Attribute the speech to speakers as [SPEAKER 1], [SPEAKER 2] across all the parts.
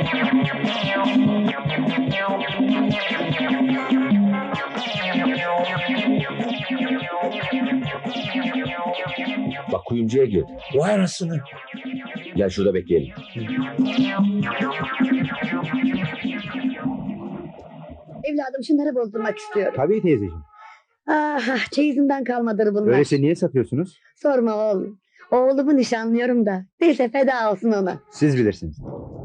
[SPEAKER 1] Bak kuyumcuya girdi.
[SPEAKER 2] Vay anasını.
[SPEAKER 1] Gel şurada bekleyelim.
[SPEAKER 3] Evladım şunları bozdurmak istiyorum.
[SPEAKER 2] Tabii teyzeciğim.
[SPEAKER 3] Ah, çeyizimden kalmadır bunlar.
[SPEAKER 2] Öyleyse niye satıyorsunuz?
[SPEAKER 3] Sorma oğlum. Oğlumu nişanlıyorum da. Neyse feda olsun ona.
[SPEAKER 2] Siz bilirsiniz.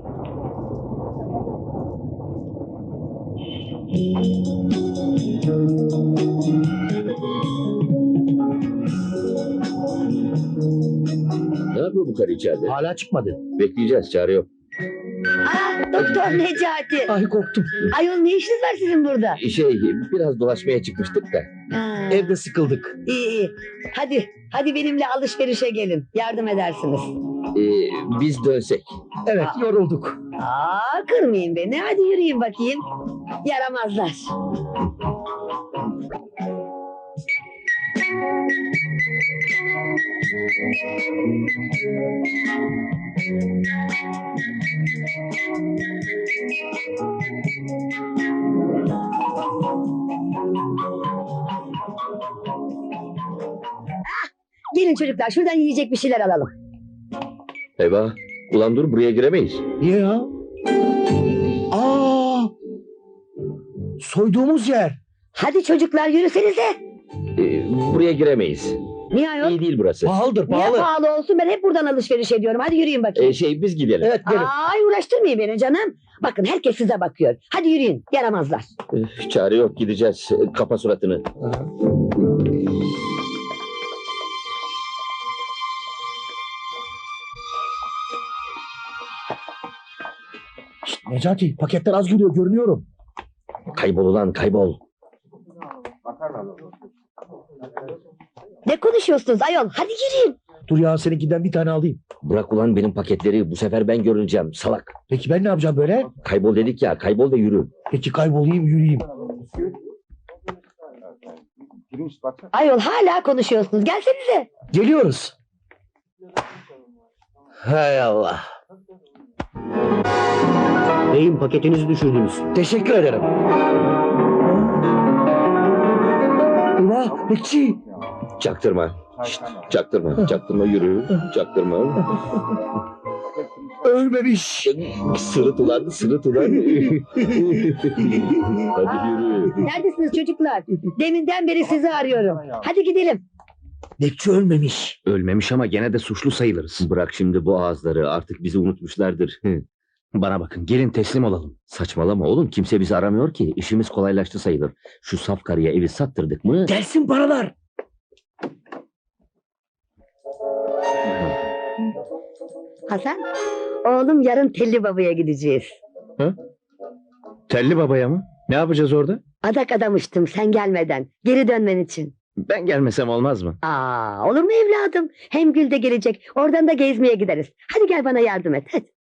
[SPEAKER 1] Ne yapıyor bu karı içeride?
[SPEAKER 2] Hala çıkmadı.
[SPEAKER 1] Bekleyeceğiz, çare yok.
[SPEAKER 3] Doktor Necati.
[SPEAKER 2] Ay korktum.
[SPEAKER 3] Ayol ne işiniz var sizin burada?
[SPEAKER 1] Biraz dolaşmaya çıkmıştık da.
[SPEAKER 3] Ha,
[SPEAKER 2] Evde sıkıldık.
[SPEAKER 3] iyi. Hadi benimle alışverişe gelin. Yardım edersiniz.
[SPEAKER 1] Biz dönsek.
[SPEAKER 2] Evet yorulduk.
[SPEAKER 3] Kırmayın beni. Hadi yürüyün bakayım. Yaramazlar. Gelin çocuklar şuradan yiyecek bir şeyler alalım.
[SPEAKER 1] Eyvah. Ulan dur, buraya giremeyiz.
[SPEAKER 2] Niye ya? Aa! Soyduğumuz yer.
[SPEAKER 3] Hadi çocuklar yürüsenize.
[SPEAKER 1] Buraya giremeyiz.
[SPEAKER 3] Niye ayol?
[SPEAKER 1] İyi değil burası.
[SPEAKER 2] Pahalıdır
[SPEAKER 3] Niye
[SPEAKER 2] pahalı.
[SPEAKER 3] pahalı olsun, ben hep buradan alışveriş ediyorum. Hadi yürüyün bakayım.
[SPEAKER 1] Biz gidelim.
[SPEAKER 2] Evet gelin.
[SPEAKER 3] Ay uğraştırmayın beni canım. Bakın herkes size bakıyor. Hadi yürüyün yaramazlar.
[SPEAKER 1] Çare yok, gideceğiz. Kapa suratını.
[SPEAKER 2] Şşt, Necati paketler az geliyor görünüyorum.
[SPEAKER 1] Kaybol ulan, kaybol.
[SPEAKER 3] Ne konuşuyorsunuz ayol? Hadi yürüyün.
[SPEAKER 2] Dur ya seninkinden bir tane alayım.
[SPEAKER 1] Bırak ulan benim paketleri. Bu sefer ben görüneceğim. Salak.
[SPEAKER 2] Peki ben ne yapacağım böyle?
[SPEAKER 1] Kaybol dedik ya. Kaybol ve yürü.
[SPEAKER 2] Peki kaybolayım yürüyeyim.
[SPEAKER 3] Ayol hala konuşuyorsunuz. Gelsenize.
[SPEAKER 2] Geliyoruz.
[SPEAKER 1] Hay Allah.
[SPEAKER 2] Beyim paketinizi düşürdünüz. Teşekkür ederim. Ulan bekçi.
[SPEAKER 1] Çaktırma. Şşt, çaktırma yürü. Çaktırma.
[SPEAKER 2] Ölmemiş.
[SPEAKER 1] Sırıt ulan. Hadi yürü.
[SPEAKER 3] Neredesiniz çocuklar? Deminden beri sizi arıyorum. Hadi gidelim.
[SPEAKER 2] Bekçi ölmemiş.
[SPEAKER 4] Ölmemiş ama gene de suçlu sayılırız.
[SPEAKER 1] Bırak şimdi bu ağızları. Artık bizi unutmuşlardır.
[SPEAKER 4] Bana bakın gelin teslim olalım.
[SPEAKER 1] Saçmalama oğlum. Kimse bizi aramıyor ki. İşimiz kolaylaştı sayılır. Şu saf karıya evi sattırdık mı?
[SPEAKER 2] Gelsin paralar.
[SPEAKER 3] Hasan, oğlum yarın Telli Baba'ya gideceğiz.
[SPEAKER 4] Telli babaya mı? Ne yapacağız orada?
[SPEAKER 3] Adak adamıştım sen gelmeden. Geri dönmen için.
[SPEAKER 4] Ben gelmesem olmaz mı?
[SPEAKER 3] Olur mu evladım? Hem Gül de gelecek. Oradan da gezmeye gideriz. Hadi gel bana yardım et. Hadi.